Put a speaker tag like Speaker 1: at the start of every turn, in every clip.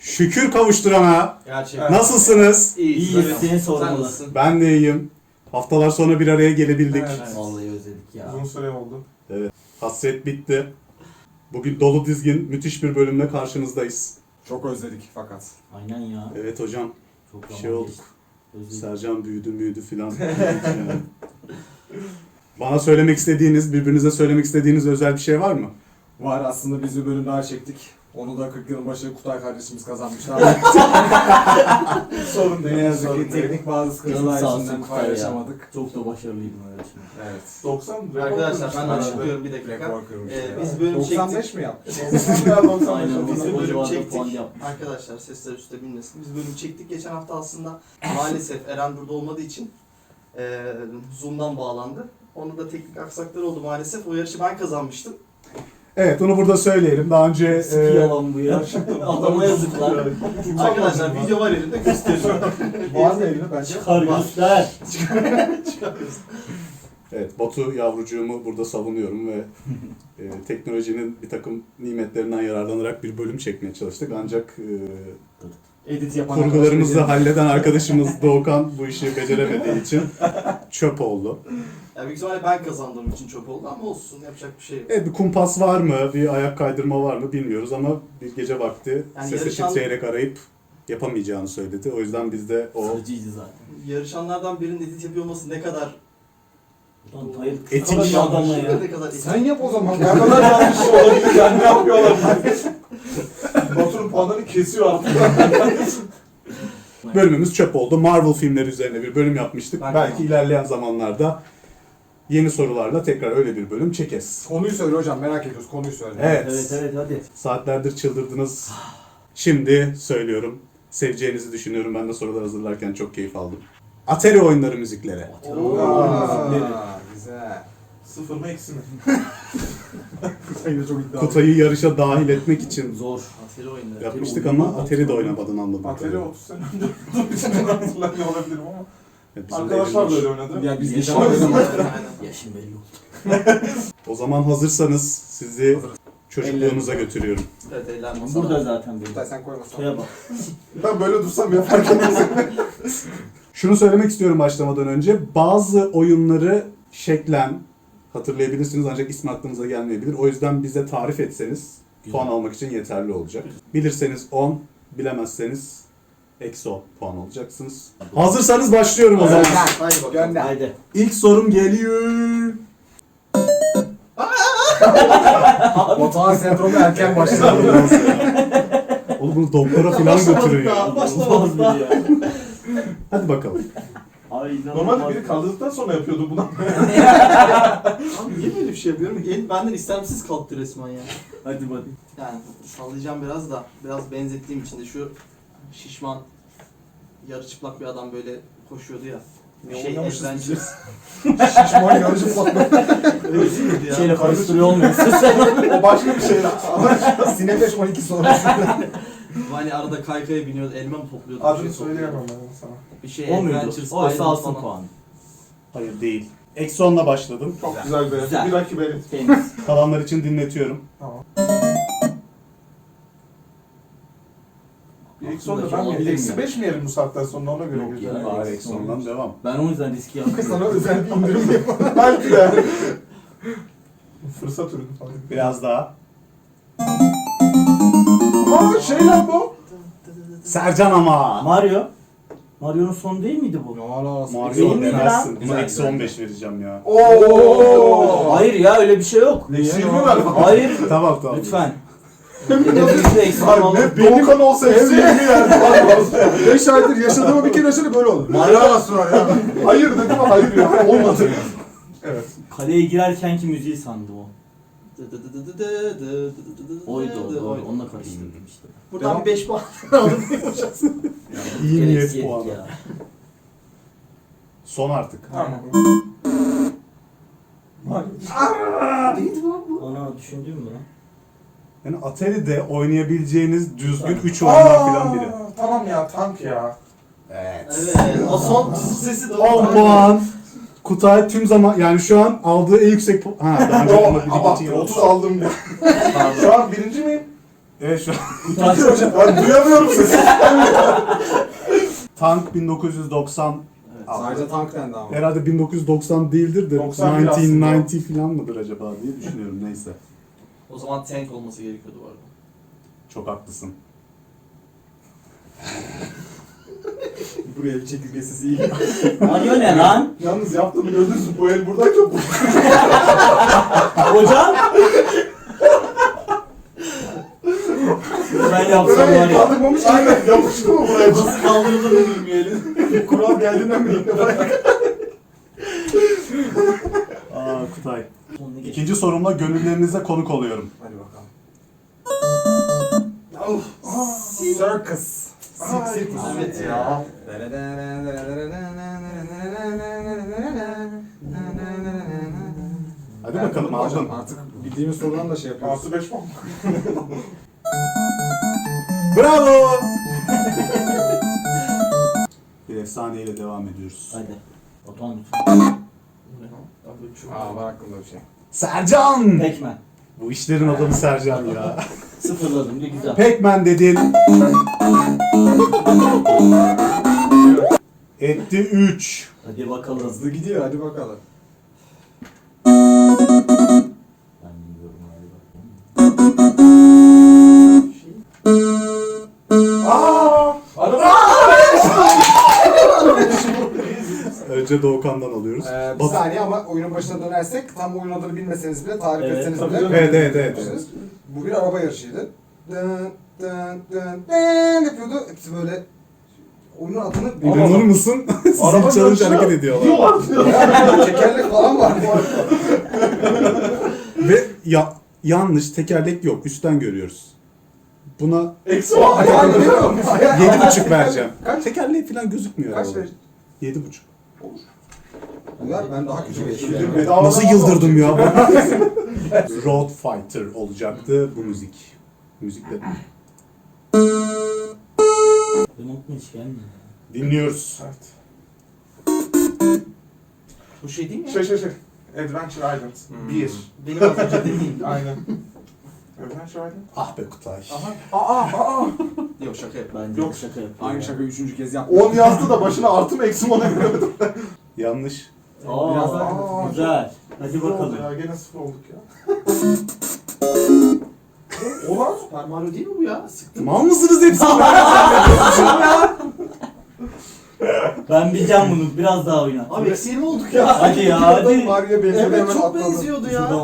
Speaker 1: Şükür kavuşturana.
Speaker 2: Gerçekten.
Speaker 1: Nasılsınız?
Speaker 3: İyiyiz, seni sormalı.
Speaker 2: Sen nasılsın?
Speaker 1: Ben de iyiyim. Haftalar sonra bir araya gelebildik.
Speaker 4: Evet.
Speaker 3: Vallahi özledik ya.
Speaker 4: Uzun süre oldu.
Speaker 1: Hasret bitti. Bugün dolu dizgin müthiş bir bölümle karşınızdayız.
Speaker 4: Çok özledik fakat.
Speaker 3: Aynen ya.
Speaker 1: Evet hocam.
Speaker 3: Çok
Speaker 1: Bir
Speaker 3: zaman
Speaker 1: şey olduk.
Speaker 3: geçti. Özledik.
Speaker 1: Sercan büyüdü filan. Yani. Bana söylemek istediğiniz, birbirinize söylemek istediğiniz özel bir şey var mı?
Speaker 4: Var aslında biz bir bölüm daha çektik. Onu da 40 yılın başı Kutay kardeşimiz kazanmışlar. Sorun değil. Ne yazık ki teknik bazı sıkıntılar
Speaker 3: Canım sağ olsun
Speaker 4: yüzünden
Speaker 3: Kutay ya.
Speaker 4: paylaşamadık.
Speaker 3: Çok da başarılıydın öyle şimdi.
Speaker 4: Evet.
Speaker 2: 90 Arkadaşlar ben açıklıyorum bir dakika.
Speaker 4: Rekor kırmış.
Speaker 2: Biz bölüm
Speaker 4: 95
Speaker 2: çektik.
Speaker 4: mi yaptık?
Speaker 3: Aynen.
Speaker 2: Biz
Speaker 3: Biz
Speaker 2: bir
Speaker 3: o
Speaker 2: bölüm
Speaker 3: civarda
Speaker 2: çektik.
Speaker 3: puan yapmış.
Speaker 2: Arkadaşlar sesler üstte bilmesin. Biz bölüm çektik geçen hafta aslında. Maalesef Eren burada olmadığı için Zoom'dan bağlandı. Onda da teknik aksaklar oldu maalesef. O yarışı ben kazanmıştım.
Speaker 1: Evet, onu burada söyleyelim. Daha önce
Speaker 3: Sıkı yalan bu ya. Adama yazıklar.
Speaker 2: Arkadaşlar video var elimde gösteriyorum.
Speaker 4: Var mı elini bence?
Speaker 3: Çıkar göster.
Speaker 1: evet, Batu yavrucuğumu burada savunuyorum ve teknolojinin bir takım nimetlerinden yararlanarak bir bölüm çekmeye çalıştık. Ancak
Speaker 4: Edit yapan
Speaker 1: kurgularımızı halleden arkadaşımız Doğukan bu işi beceremediği için çöp oldu.
Speaker 2: Ya büyük ihtimalle ben kazandığım için çok oldu ama olsun yapacak bir şey yok.
Speaker 1: Evet, bir kumpas var mı, bir ayak kaydırma var mı bilmiyoruz ama bir gece vakti
Speaker 2: Yani
Speaker 1: sesi
Speaker 2: yarışan-
Speaker 1: titreyerek arayıp yapamayacağını söyledi. O yüzden biz de o
Speaker 3: Sıkıcıydı zaten.
Speaker 2: Yarışanlardan birinin edit yapıyor olması ne kadar
Speaker 3: Ulan hayır.
Speaker 1: Etik
Speaker 3: Etik adamla ya.
Speaker 2: Ne kadar etik.
Speaker 4: Sen yap o zaman. Ne kadar yanlış olabilir yani ne yapıyor olabilir? Batu'nun puanlarını kesiyor artık.
Speaker 1: bölümümüz çöp oldu. Marvel filmleri üzerine bir bölüm yapmıştık.
Speaker 2: Ben
Speaker 1: Belki
Speaker 2: tamam.
Speaker 1: ilerleyen zamanlarda yeni sorularla tekrar öyle bir bölüm çekeriz.
Speaker 4: Konuyu söyle hocam merak ediyoruz konuyu söyle.
Speaker 1: Evet.
Speaker 3: Evet hadi.
Speaker 1: Saatlerdir çıldırdınız. Şimdi söylüyorum. Seveceğinizi düşünüyorum. Ben de sorular hazırlarken çok keyif aldım. Atari oyunları müzikleri.
Speaker 4: Güzel.
Speaker 2: Sıfır mı eksi mi?
Speaker 4: Kutay'ı da çok iddialı.
Speaker 1: Kutay'ı yarışa dahil etmek için
Speaker 3: Zor.
Speaker 2: Atari oyunları.
Speaker 1: yapmıştık ama Atari de oynamadın anladım.
Speaker 4: Atari 30 sene önce olduğu için bunu hatırlamıyor olabilirim ama.
Speaker 1: Evet, bizim
Speaker 4: Arkadaşlar da
Speaker 1: elimiz-
Speaker 4: öyle oynadı. Ya biz
Speaker 3: Yaşım
Speaker 4: geçen oynadık.
Speaker 2: Aynen.
Speaker 3: Yaşım belli oldu.
Speaker 1: O zaman hazırsanız sizi
Speaker 4: Hazırız.
Speaker 1: çocukluğunuza götürüyorum.
Speaker 2: Evet eller masada.
Speaker 3: Burada zaten benim.
Speaker 4: Kutay sen koymasana.
Speaker 3: Kutaya bak.
Speaker 4: Ben böyle dursam ya fark etmez.
Speaker 1: Şunu söylemek istiyorum başlamadan önce. Bazı oyunları şeklen hatırlayabilirsiniz ancak ismi aklınıza gelmeyebilir. O yüzden bize tarif etseniz
Speaker 3: Güzel.
Speaker 1: puan almak için yeterli olacak. Bilirseniz 10, bilemezseniz eksi 10 puan alacaksınız. Hazırsanız başlıyorum o zaman.
Speaker 2: Haydi bakalım.
Speaker 4: Gönder.
Speaker 3: Haydi.
Speaker 1: İlk sorum geliyor.
Speaker 4: Batuhan sendromu erken başladı.
Speaker 1: Oğlum bunu doktora falan
Speaker 2: Başlamadık
Speaker 1: götürün ya.
Speaker 2: daha, başlamadık daha.
Speaker 3: ya.
Speaker 1: Hadi bakalım.
Speaker 3: Ay inanılmaz.
Speaker 5: Normalde biri kaldırdıktan sonra yapıyordu bunu.
Speaker 2: Abi niye böyle bir şey yapıyorum? El benden istemsiz kalktı resmen ya.
Speaker 3: Hadi hadi.
Speaker 2: Yani sallayacağım biraz da. Biraz benzettiğim için de şu şişman yarı çıplak bir adam böyle koşuyordu ya. Bir şey
Speaker 4: oynamışız
Speaker 2: Adventures.
Speaker 4: Şişman yarıcı patladı.
Speaker 2: Öyle değil miydi
Speaker 3: Bir
Speaker 2: ya?
Speaker 3: şeyle karıştırıyor olmuyorsun sen.
Speaker 4: O başka bir şey. Sinebeş 12 sonrası.
Speaker 2: Hani arada kaykaya biniyordu, elma mı topluyordu?
Speaker 4: Adını
Speaker 2: bir şey topluyordu.
Speaker 4: söyleyemem ben sana.
Speaker 2: Bir şey
Speaker 3: O muydu?
Speaker 2: Adventures.
Speaker 3: Oysa
Speaker 2: Island
Speaker 3: alsın
Speaker 2: falan.
Speaker 3: puanı.
Speaker 1: Hayır değil. Eksi 10'la başladım.
Speaker 5: Çok güzel be.
Speaker 3: Güzel.
Speaker 5: Bir rakip benim.
Speaker 3: Temiz.
Speaker 1: Kalanlar için dinletiyorum.
Speaker 4: Tamam.
Speaker 5: Bir eksi 10'da
Speaker 3: Aklımdaki
Speaker 5: ben
Speaker 3: olabilir
Speaker 5: bir eksi
Speaker 3: mi?
Speaker 5: 5 mi yerim bu saatten sonra ona göre
Speaker 3: Yok
Speaker 5: gözüm.
Speaker 3: ya.
Speaker 1: Bari eksi 10'dan devam.
Speaker 3: Ben o yüzden riski
Speaker 4: Sana
Speaker 3: yapmıyorum.
Speaker 4: özel bir indirim yapalım.
Speaker 5: Belki de. Fırsat ürünü falan.
Speaker 1: Biraz daha.
Speaker 5: Aa şey lan bu.
Speaker 1: Sercan ama.
Speaker 3: Mario. Mario'nun sonu değil miydi bu?
Speaker 1: Mario
Speaker 3: Değil miydi
Speaker 1: demezsin.
Speaker 3: lan?
Speaker 1: Buna
Speaker 4: Güzel,
Speaker 1: eksi
Speaker 4: güzel.
Speaker 1: 15 vereceğim ya.
Speaker 5: Oo.
Speaker 3: Hayır ya öyle bir şey yok.
Speaker 5: Eksi 20 ver.
Speaker 3: Hayır.
Speaker 1: Tamam tamam.
Speaker 3: Lütfen. Edebiyatı eksi alalım.
Speaker 5: Doğukan olsa eksi 20 yerdi.
Speaker 4: 5 aydır yaşadığımı bir kere yaşadı böyle oldu.
Speaker 5: Helal olsun ya. Hayır dedim ama hayır ya. Olmadı. Evet.
Speaker 3: Kaleye girerkenki müziği sandı o. Oydu o doğru. Onunla karıştırdım işte.
Speaker 2: Buradan
Speaker 4: Devam.
Speaker 2: bir 5 puan aldım.
Speaker 1: İyi
Speaker 3: Gereksiz
Speaker 1: niyet
Speaker 3: yedik
Speaker 1: puanı.
Speaker 3: ya.
Speaker 1: Son artık.
Speaker 4: Tamam.
Speaker 3: Ona düşündün mü lan?
Speaker 1: Yani Atari'de oynayabileceğiniz düzgün 3 oyundan filan biri.
Speaker 4: Tamam ya tank ya.
Speaker 1: Evet.
Speaker 2: Evet. O son sesi de
Speaker 1: 10 puan. Kutay tüm zaman yani şu an aldığı en yüksek puan. Ha daha önce
Speaker 5: Yo,
Speaker 1: buna bir
Speaker 5: abarttı.
Speaker 1: iki
Speaker 5: 30 aldım ya. Şu an birinci miyim?
Speaker 1: Evet şu an
Speaker 5: Ben duyamıyorum sesi.
Speaker 1: Tank 1990.
Speaker 4: Sadece tank dendi ama.
Speaker 1: Herhalde 1990 değildir de
Speaker 5: 91
Speaker 1: 1990 falan mıdır acaba diye düşünüyorum. Neyse.
Speaker 2: O zaman tank olması gerekiyordu bu arada.
Speaker 1: Çok haklısın.
Speaker 4: Buraya bir çekirge sesi iyi.
Speaker 3: Arıyor ne lan?
Speaker 5: Yalnız yaptığımı gördünüz mü? Bu el buradayken bu.
Speaker 3: Hocam? Ben yapsam var
Speaker 5: Burayı
Speaker 3: ya.
Speaker 5: kaldırmamış aynen. Yapıştı mı buraya?
Speaker 2: Nasıl kaldırıldığını bilmeyelim.
Speaker 5: Kural geldiğinden beri ilk defa.
Speaker 1: Aa Kutay.
Speaker 3: Sonuna geç.
Speaker 1: İkinci sorumla gönüllerinize konuk oluyorum.
Speaker 4: Hadi bakalım.
Speaker 5: Circus.
Speaker 4: Circus.
Speaker 2: Evet ya.
Speaker 1: Hadi bakalım aldın.
Speaker 4: Artık bildiğimiz sorudan da şey yapıyoruz.
Speaker 5: Artı 5 puan.
Speaker 1: Bravo! Bir efsaneyle devam ediyoruz.
Speaker 3: Hadi. Batuhan lütfen.
Speaker 4: Aa var aklımda bir şey.
Speaker 1: Sercan!
Speaker 3: Pac-Man.
Speaker 1: Bu işlerin adamı Sercan ya.
Speaker 3: Sıfırladım diye güzel.
Speaker 1: Pac-Man dedin. Etti 3.
Speaker 3: Hadi bakalım.
Speaker 4: Hızlı gidiyor hadi bakalım.
Speaker 3: Ben bilmiyorum galiba.
Speaker 1: Önce Doğukan'dan alıyoruz.
Speaker 4: Bir
Speaker 1: Bak-
Speaker 4: saniye ama oyunun başına dönersek tam oyun adını bilmeseniz bile tarif
Speaker 3: Evet,
Speaker 4: etseniz
Speaker 3: tabii
Speaker 4: bile.
Speaker 3: canım.
Speaker 1: Evet.
Speaker 4: Bu bir araba yarışıydı. Dın dın dın dın yapıyordu. Hepsi böyle oyunun adını
Speaker 1: İnanır mısın? Sizin
Speaker 5: Araba
Speaker 1: challenge
Speaker 5: yarışına
Speaker 1: hareket ediyorlar.
Speaker 5: gidiyorlar diyor.
Speaker 4: tekerlek falan var bu arada.
Speaker 1: Ve yanlış tekerlek yok. Üstten görüyoruz. Buna
Speaker 5: Eksi var.
Speaker 4: Hayal ediyorum.
Speaker 1: 7,5 vereceğim.
Speaker 4: Kaç?
Speaker 1: Tekerleği falan gözükmüyor.
Speaker 4: Kaç
Speaker 1: arabada.
Speaker 4: ver?
Speaker 1: 7,5.
Speaker 4: Ver ben daha küçük
Speaker 5: Ödül
Speaker 4: geçeceğim.
Speaker 5: bedava.
Speaker 1: Nasıl yıldırdım ya? Road Fighter olacaktı bu müzik. Müzikte
Speaker 3: Benim aklıma hiç gelmiyor.
Speaker 1: dinliyoruz.
Speaker 5: Evet.
Speaker 2: Bu şey değil mi?
Speaker 5: Şey. Adventure Island. 1.
Speaker 2: Benim az önce dediğim.
Speaker 5: Aynen. Adventure Island.
Speaker 1: Ah be Kutay.
Speaker 5: Aa.
Speaker 2: Yok şaka yap.
Speaker 3: Bence
Speaker 5: Yok.
Speaker 3: şaka yapıyor.
Speaker 4: Aynı şakayı 3. kez yaptım.
Speaker 5: 10 yazdı da başına artı mı eksi mi ona göremedim.
Speaker 1: Yanlış.
Speaker 4: Biraz daha
Speaker 5: Aa,
Speaker 3: Güzel. Hadi
Speaker 5: Sıfır oldu
Speaker 3: bakalım.
Speaker 5: ya. Gene sıfır olduk ya. Oha.
Speaker 2: Super Mario değil mi bu ya? Sıktım.
Speaker 1: Mal mısınız hepsi?
Speaker 3: Ben bileceğim bunu. Biraz daha oyna.
Speaker 2: Abi eksi 20 olduk ya.
Speaker 3: Hadi ya hadi.
Speaker 4: Mario'ya benziyor
Speaker 2: Evet
Speaker 4: hemen
Speaker 2: çok
Speaker 4: atladım.
Speaker 2: benziyordu ya.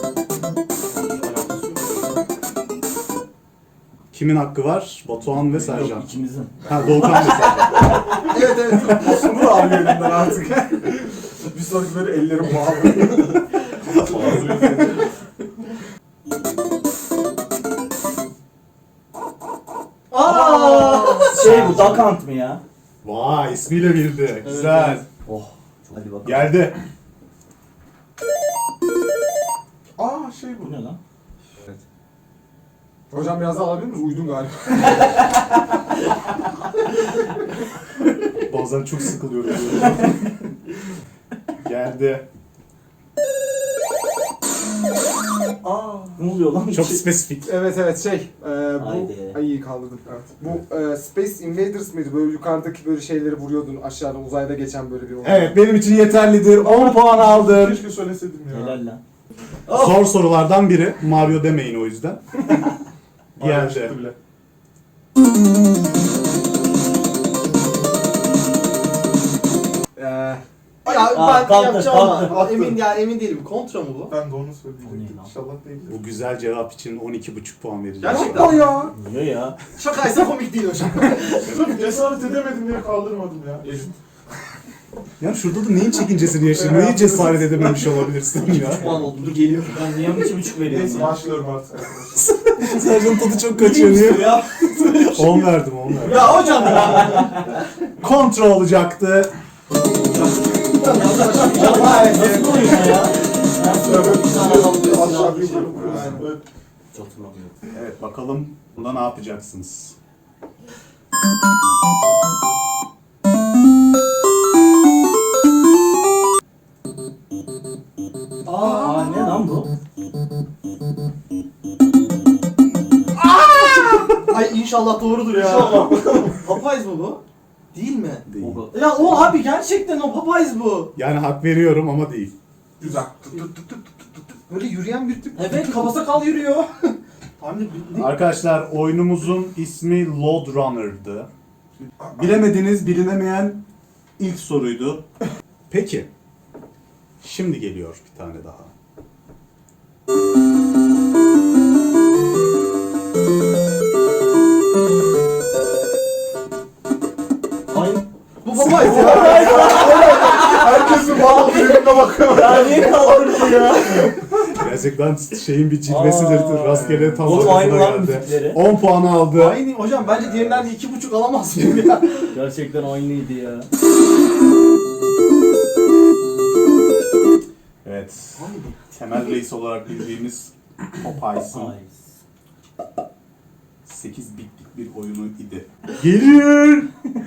Speaker 1: Kimin hakkı var? Batuhan ve Sercan.
Speaker 3: Yok ikimizin.
Speaker 1: Ha Doğukan ve Sercan.
Speaker 2: Evet.
Speaker 4: Bunu da alıyor elimden artık. Bir sonraki böyle ellerim bağlı.
Speaker 2: Aa!
Speaker 3: Şey bu Duck Hunt mı ya?
Speaker 1: Vay ismiyle bildi. Güzel.
Speaker 3: Oh. Hadi bakalım.
Speaker 1: Geldi.
Speaker 5: Aa şey bu.
Speaker 3: Bu ne lan?
Speaker 4: Hocam biraz daha alabilir miyiz? Uydun galiba.
Speaker 1: Bazen çok sıkılıyorum. Geldi.
Speaker 3: Ne oluyor lan?
Speaker 1: Çok spesifik.
Speaker 4: Evet
Speaker 3: Haydi.
Speaker 4: bu iyi kaldırdım. Bu Space Invaders mıydı? Böyle yukarıdaki böyle şeyleri vuruyordun aşağıda uzayda geçen böyle bir oyun.
Speaker 1: Evet benim için yeterlidir. 10 puan aldım.
Speaker 5: Keşke söyleseydim ya.
Speaker 3: Helal lan.
Speaker 1: Zor sorulardan biri. Mario demeyin o yüzden.
Speaker 5: Bayağı
Speaker 1: Geldi.
Speaker 5: çıktı bile.
Speaker 2: Ya
Speaker 3: Aa,
Speaker 2: ben
Speaker 3: kalktı,
Speaker 2: yapacağım ama
Speaker 3: kalktı.
Speaker 2: emin değilim. Kontra mı bu?
Speaker 5: Ben de onu
Speaker 3: O ne
Speaker 5: söyleyecektim.
Speaker 3: lan?
Speaker 5: İnşallah değildir.
Speaker 1: Bu güzel cevap için 12,5 puan vereceğim.
Speaker 2: Gerçekten.
Speaker 4: ya.
Speaker 3: Niye ya?
Speaker 2: Şakaysa komik değil hocam.
Speaker 5: Sırf cesaret edemedim diye kaldırmadım ya. Elim.
Speaker 1: Ya şurada da neyin çekincesini yaşadın? Neyi cesaret edememiş olabilirsin ya?
Speaker 2: Puan oldu. Dur geliyor.
Speaker 3: Ben niye 2,5 veriyorum
Speaker 5: Neyse
Speaker 3: ya?
Speaker 5: başlıyorum artık arkadaşlar.
Speaker 1: Sercan tadı çok kaçıyor. Niye?
Speaker 2: ya.
Speaker 1: 10 verdim 10 verdim.
Speaker 2: Ya hocam ya.
Speaker 1: Kontra olacaktı.
Speaker 3: Nasıl oyun ya?
Speaker 5: Aşağı bir bölüm. Evet.
Speaker 3: Hiç hatırlamıyorum.
Speaker 1: Evet bakalım bunda ne yapacaksınız?
Speaker 3: Aa ne lan bu?
Speaker 2: Ay inşallah doğrudur ya.
Speaker 4: İnşallah.
Speaker 2: Popeyes mi bu? Değil mi?
Speaker 1: Değil.
Speaker 2: Ya o abi gerçekten o Popeyes bu.
Speaker 1: Yani hak veriyorum ama değil.
Speaker 5: Güzel. Böyle yürüyen bir tip.
Speaker 2: Evet kafası kal yürüyor. Tahmin bildik.
Speaker 1: Arkadaşlar oyunumuzun ismi Load Runner'dı. Bilemediğiniz, bilinemeyen ilk soruydu. Peki. Şimdi geliyor bir tane daha.
Speaker 3: Ay.
Speaker 2: Bu Popeyes ya.
Speaker 5: Herkesin bana birbirine bakıyor.
Speaker 3: Ya niye kaldırdın ya?
Speaker 1: Gerçekten şeyin bir cilvesidir.
Speaker 3: Aa.
Speaker 1: Rastgele tam
Speaker 3: Oğlum aynı
Speaker 1: ortasına
Speaker 3: lan
Speaker 1: geldi.
Speaker 3: müzikleri.
Speaker 1: 10 puanı aldı.
Speaker 2: Aynı hocam bence diğerinden de 2,5 alamaz mıyım ya?
Speaker 3: Gerçekten aynıydı ya.
Speaker 1: Evet. Temel reis olarak bildiğimiz Popeyes'ın
Speaker 3: Ay.
Speaker 1: 8 bitlik bir oyunu idi. Geliyor.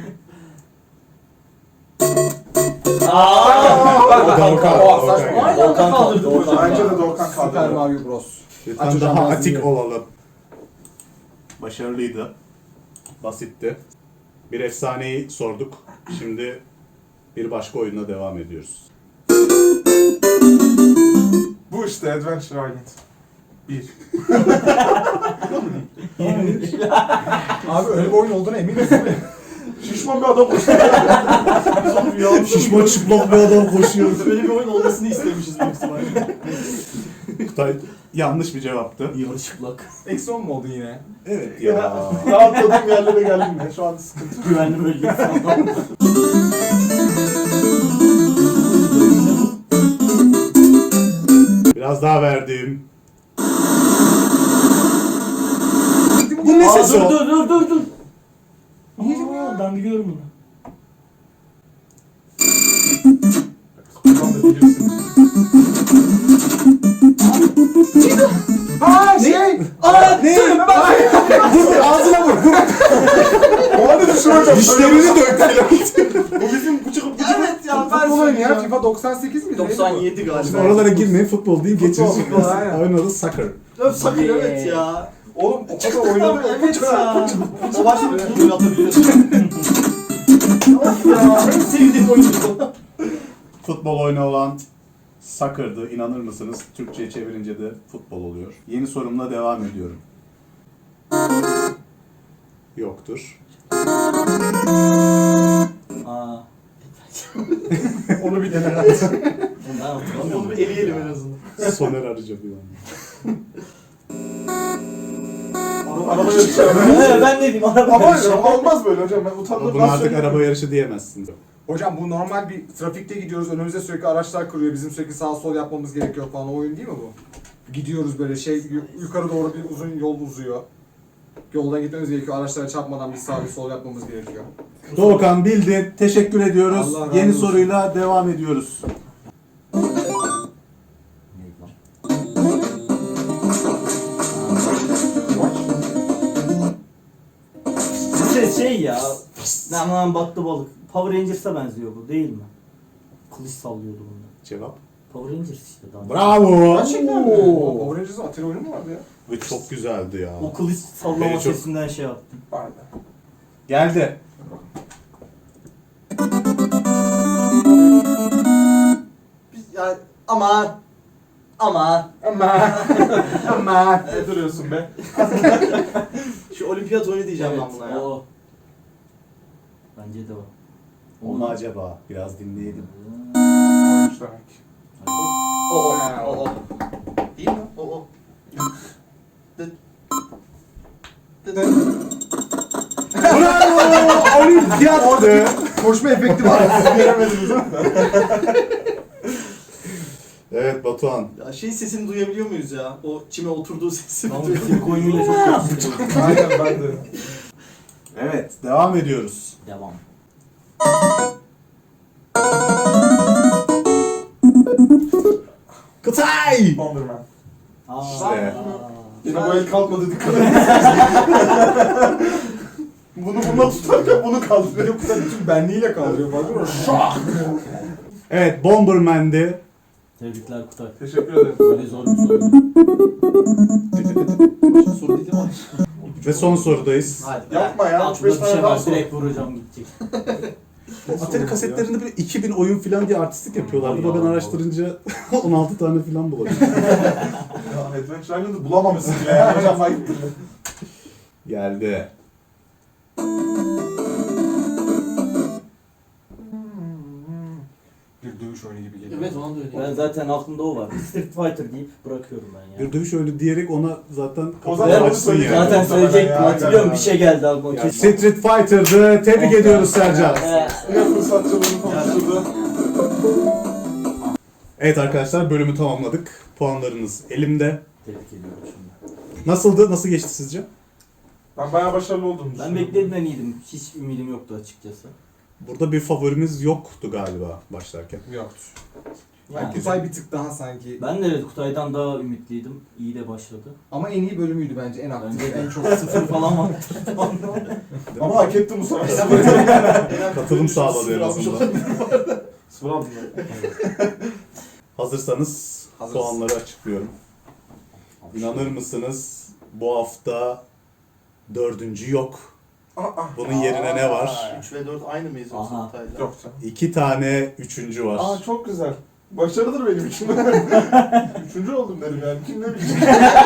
Speaker 1: Doğukan.
Speaker 2: Aynı anda kaldırdık hocam.
Speaker 5: Bence de Doğukan
Speaker 4: Super
Speaker 5: kaldı.
Speaker 4: Mario Bros.
Speaker 1: Lütfen
Speaker 4: Açacağım
Speaker 1: daha
Speaker 4: ağzını
Speaker 1: atik
Speaker 4: yerim.
Speaker 1: olalım. Başarılıydı. Basitti. Bir efsaneyi sorduk. Şimdi bir başka oyunla devam ediyoruz.
Speaker 5: Bu işte Adventure Island. 1.
Speaker 4: Abi öyle bir oyun olduğuna emin misin?
Speaker 5: Şişman bir adam koştu.
Speaker 2: Biz onu rüyamızda
Speaker 1: Şişman çıplak bir adam koşuyor.
Speaker 2: böyle bir oyun olmasını istemişiz büyük ihtimalle.
Speaker 1: Kutay yanlış bir cevaptı.
Speaker 3: Yarı çıplak.
Speaker 4: Eksi 10 mu oldun yine?
Speaker 1: Evet ya.
Speaker 5: Rahatladığım yerlere geldim ya. Şu an sıkıntı.
Speaker 3: Güvenli bölgesi adam.
Speaker 1: Biraz daha verdim. Bu ne sesi o?
Speaker 3: Dur. Aa, ben biliyorum bunu.
Speaker 5: Buradan da bilirsin.
Speaker 4: Aa şey!
Speaker 2: Aa
Speaker 1: Ne? Vur ağzına vur.
Speaker 5: O halde düşüreceğim.
Speaker 1: Dişlerini döktü.
Speaker 5: Bu bizim bıçık
Speaker 2: evet ya ben
Speaker 4: Futbol oyunu ya.
Speaker 2: söyleyeceğim.
Speaker 4: FIFA 98 miydi?
Speaker 2: 97
Speaker 1: Şimdi
Speaker 2: galiba.
Speaker 1: oralara girmeyin, futbol değil, geçiyorsunuz.
Speaker 4: futbol, aynen.
Speaker 1: Oyun adı soccer.
Speaker 2: Öp sakın evet ya.
Speaker 5: Oğlum o kadar oynadı.
Speaker 2: Evet ya. O başta bir futbol atabiliyorsun. Of ya. En sevdiğim oyun bu.
Speaker 1: Futbol oyunu olan soccer'dı. İnanır mısınız? Türkçe'ye çevirince de futbol oluyor. Yeni sorumla devam ediyorum. Yoktur.
Speaker 3: Aa.
Speaker 5: Onu bir dene.
Speaker 3: Ben hatırlamıyorum.
Speaker 2: Onu bir eleyelim en azından.
Speaker 1: Soner Arıca bir an.
Speaker 5: Araba yarışı.
Speaker 3: Ben ne diyeyim araba
Speaker 5: Ama
Speaker 3: yarışı.
Speaker 5: olmaz böyle hocam. Ben
Speaker 1: Ama
Speaker 5: utandım.
Speaker 1: buna artık araba yarışı diyemezsin.
Speaker 4: Hocam bu normal bir trafikte gidiyoruz. Önümüze sürekli araçlar kırıyor. Bizim sürekli sağ sol yapmamız gerekiyor falan. O oyun değil mi bu? Gidiyoruz böyle yukarı doğru bir uzun yol uzuyor. Yoldan gitmemiz gerekiyor. Araçlara çarpmadan bir sağ bir sol yapmamız gerekiyor.
Speaker 1: Doğukan bildi. Teşekkür ediyoruz.
Speaker 4: Allah razı
Speaker 1: Yeni
Speaker 4: olsun.
Speaker 1: soruyla devam ediyoruz.
Speaker 3: Şey ya. Aman battı balık. Power Rangers'a benziyor bu değil mi? Kılıç sallıyordu bunda.
Speaker 1: Cevap.
Speaker 3: Power Rangers işte daha.
Speaker 1: Bravo.
Speaker 2: Gerçekten mi?
Speaker 4: Oo, Power Rangers'ın Atari oyunu mu vardı ya?
Speaker 1: Ve çok güzeldi ya.
Speaker 3: O kılıç sallama
Speaker 1: Beni çok-
Speaker 3: sesinden şey yaptım.
Speaker 5: Aynen.
Speaker 1: Geldi.
Speaker 2: Biz ya aman.
Speaker 4: Ama
Speaker 5: Ne duruyorsun be?
Speaker 2: Şu olimpiyat oyunu diyeceğim ben buna ya.
Speaker 3: O. Bence de o.
Speaker 1: O mu acaba? Biraz dinleyelim.
Speaker 5: Oymuş demek.
Speaker 2: O. Değil mi? O.
Speaker 1: Bravo! Olimpiyattı.
Speaker 4: koşma efekti var. Siz göremediniz değil mi?
Speaker 1: Evet Batuhan.
Speaker 2: Ya şey sesini duyabiliyor muyuz ya? O çime oturduğu sesini
Speaker 3: Ama
Speaker 2: duyuyor
Speaker 3: Türk oyunuyla çok yakışıklı.
Speaker 5: Aynen ben de.
Speaker 1: Evet devam ediyoruz.
Speaker 3: Devam.
Speaker 1: Kıtay!
Speaker 5: Bomberman.
Speaker 3: Aa.
Speaker 1: İşte.
Speaker 5: Yine bu el kalkmadı dikkat edin. Bunu bununla tutarken bunu kaldırıyor.
Speaker 4: Yok da bütün benliğiyle kaldırıyor. Bakın mı?
Speaker 1: Evet Bomberman'di.
Speaker 3: Tebrikler Kutay.
Speaker 5: Teşekkür ederim.
Speaker 3: Böyle zor bir soru.
Speaker 2: Soru değil mi?
Speaker 1: Ve son sorudayız.
Speaker 3: Hadi.
Speaker 5: Yapma ya,
Speaker 3: Aklımda
Speaker 5: 35
Speaker 3: bir şey
Speaker 5: tane daha
Speaker 3: var.
Speaker 5: sor.
Speaker 3: Direkt vuracağım gidecek.
Speaker 1: Bu Atari kasetlerinde böyle 2000 oyun falan diye artistlik yapıyorlardı da ben
Speaker 3: Allah.
Speaker 1: araştırınca 16 tane falan bulabildim.
Speaker 5: Ya Adventure Island'ı bulamamışsın bile ya. Hocam ayıptır.
Speaker 1: Geldi.
Speaker 4: Bir dövüş oyunu gibi geliyor.
Speaker 2: Evet ona da öyle.
Speaker 3: Ben zaten aklımda o var. Street Fighter deyip bırakıyorum ben ya.
Speaker 1: Bir dövüş oyunu diyerek ona zaten
Speaker 5: O
Speaker 1: kapıyı
Speaker 5: zaman onu
Speaker 1: açsın
Speaker 5: söyleyeceğim.
Speaker 1: yani.
Speaker 3: Zaten söyleyecektim,
Speaker 5: Ya,
Speaker 3: hatırlıyorum,
Speaker 5: ya.
Speaker 3: bir şey geldi aklıma.
Speaker 1: Yani
Speaker 3: Kesin.
Speaker 1: Street Fighter'dı. Tebrik ediyoruz Sercan.
Speaker 5: Ne fırsatçılığını konuşturdu.
Speaker 1: Evet arkadaşlar bölümü tamamladık. Puanlarınız elimde.
Speaker 3: Tebrik ediyorum şimdi.
Speaker 1: Nasıldı? Nasıl geçti sizce?
Speaker 5: Ben bayağı başarılı oldum.
Speaker 3: Ben beklediğimden iyiydim. Hiç ümidim yoktu açıkçası.
Speaker 1: Burada bir favorimiz yoktu galiba başlarken.
Speaker 4: Yoktu.
Speaker 3: Yani,
Speaker 4: Kutay bir tık daha sanki.
Speaker 3: ben de evet Kutay'dan daha ümitliydim. İyi de başladı.
Speaker 4: Ama en iyi bölümüydü bence. En aktif,
Speaker 3: Bence de.
Speaker 4: en çok
Speaker 3: Sıfır falan var.
Speaker 5: Ama hak ettim bu sefer.
Speaker 1: Katılım sağladı en azından.
Speaker 5: Sıfır aldım ben.
Speaker 1: Hazırsanız
Speaker 4: Hazırız.
Speaker 1: puanları açıklıyorum. İnanır mısınız? Bu hafta dördüncü yok. Bunun yerine ne var?
Speaker 2: 3 ve 4 aynı mıyız yoksa
Speaker 3: Aha.
Speaker 2: Kutay'la?
Speaker 5: Yok canım.
Speaker 1: 2 tane üçüncü var.
Speaker 5: Aa çok güzel. Başarıdır benim için. Üçüncü oldum derim yani. Kim ne bilecek?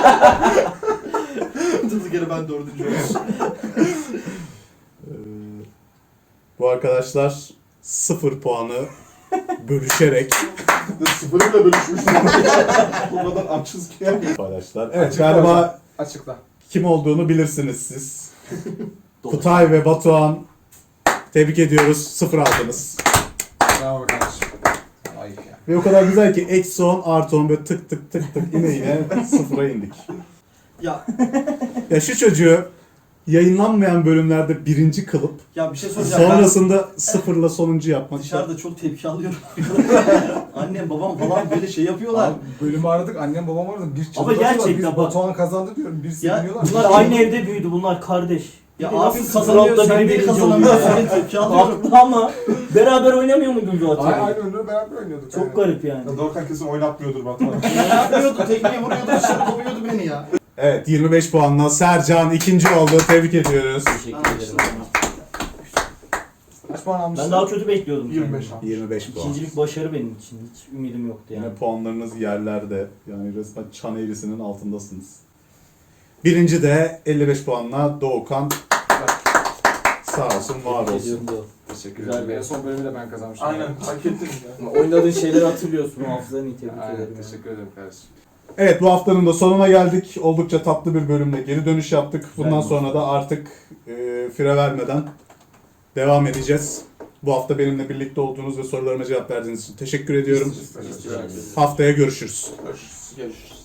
Speaker 2: Durduk yere ben 4. olmuşum.
Speaker 1: Ee, bu arkadaşlar 0 puanı bölüşerek
Speaker 5: Sıfırıyla bölüşmüştüm. Bu kadar açız ki yani.
Speaker 1: paylaştılar. Evet
Speaker 4: Açıkla
Speaker 1: galiba
Speaker 4: açıkla.
Speaker 1: kim olduğunu bilirsiniz siz.
Speaker 3: Doğru.
Speaker 1: Kutay ve Batuhan tebrik ediyoruz. 0 aldınız.
Speaker 4: Bravo kardeşim. Ayıp ya.
Speaker 1: Ve o kadar güzel ki eksi 10 artı 10 böyle tık tık tık tık yine 0'a indik.
Speaker 2: Ya
Speaker 1: Ya şu çocuğu yayınlanmayan bölümlerde birinci kılıp
Speaker 2: ya bir şey soracağım.
Speaker 1: sonrasında sıfırla sonuncu yapmak.
Speaker 2: Ben dışarıda çok tepki alıyorum. Annem babam falan böyle şey yapıyorlar.
Speaker 4: Abi, bölümü aradık, annem babam aradı. Bir
Speaker 3: Ama
Speaker 4: çıldırıyorlar.
Speaker 3: gerçekten
Speaker 4: Biz
Speaker 3: bak-
Speaker 4: Batuhan kazandı diyorum. Bir seviniyorlar.
Speaker 3: Bunlar aynı evde büyüdü, bunlar kardeş.
Speaker 2: Ya
Speaker 3: Biri
Speaker 2: abi
Speaker 3: nasıl
Speaker 2: kazanıyor,
Speaker 3: sıfır altta
Speaker 2: sen
Speaker 3: biri
Speaker 2: niye
Speaker 3: birinci
Speaker 2: kazanamıyorsun?
Speaker 3: oluyor?
Speaker 2: Ben tepki alıyorum.
Speaker 3: Haklı ama beraber oynamıyor muydun zaten?
Speaker 4: Aynı oyunları beraber oynuyorduk.
Speaker 3: Çok garip yani.
Speaker 5: Ya Dorkan kesin oynatmıyordur Batuhan.
Speaker 2: Ne yapıyordu? Tekmeyi vuruyordu, dışarı kovuyordu beni ya.
Speaker 1: Evet 25 puanla Sercan ikinci oldu. Tebrik ediyoruz.
Speaker 3: Teşekkür ederim.
Speaker 4: Kaç puan almışsın?
Speaker 3: Ben daha kötü bekliyordum.
Speaker 5: 25
Speaker 3: kendimi.
Speaker 5: abi.
Speaker 1: 25 puan.
Speaker 3: İkincilik başarı benim için. Hiç ümidim yoktu yani.
Speaker 1: Yine puanlarınız yerlerde. Yani resmen çan eğrisinin altındasınız. Birinci de 55 puanla Doğukan. Sağ olsun, var
Speaker 3: Tebrik
Speaker 1: olsun.
Speaker 3: ediyorum Doğu.
Speaker 4: Teşekkür
Speaker 3: Güzel
Speaker 4: ederim.
Speaker 3: bir-
Speaker 4: En son bölümü de ben kazanmıştım.
Speaker 5: Aynen hak ettin ya.
Speaker 3: Oynadığın şeyleri hatırlıyorsun. Hafızanı iyi tebrik
Speaker 4: Aynen,
Speaker 3: ederim.
Speaker 4: teşekkür ederim kardeşim.
Speaker 1: Evet bu haftanın da sonuna geldik. Oldukça tatlı bir bölümle geri dönüş yaptık. Bundan
Speaker 3: Güzel.
Speaker 1: sonra da artık fire vermeden devam edeceğiz. Bu hafta benimle birlikte olduğunuz ve sorularıma cevap verdiğiniz için teşekkür ediyorum.
Speaker 5: Teşekkür ederiz.
Speaker 1: Haftaya görüşürüz.
Speaker 5: Görüşürüz.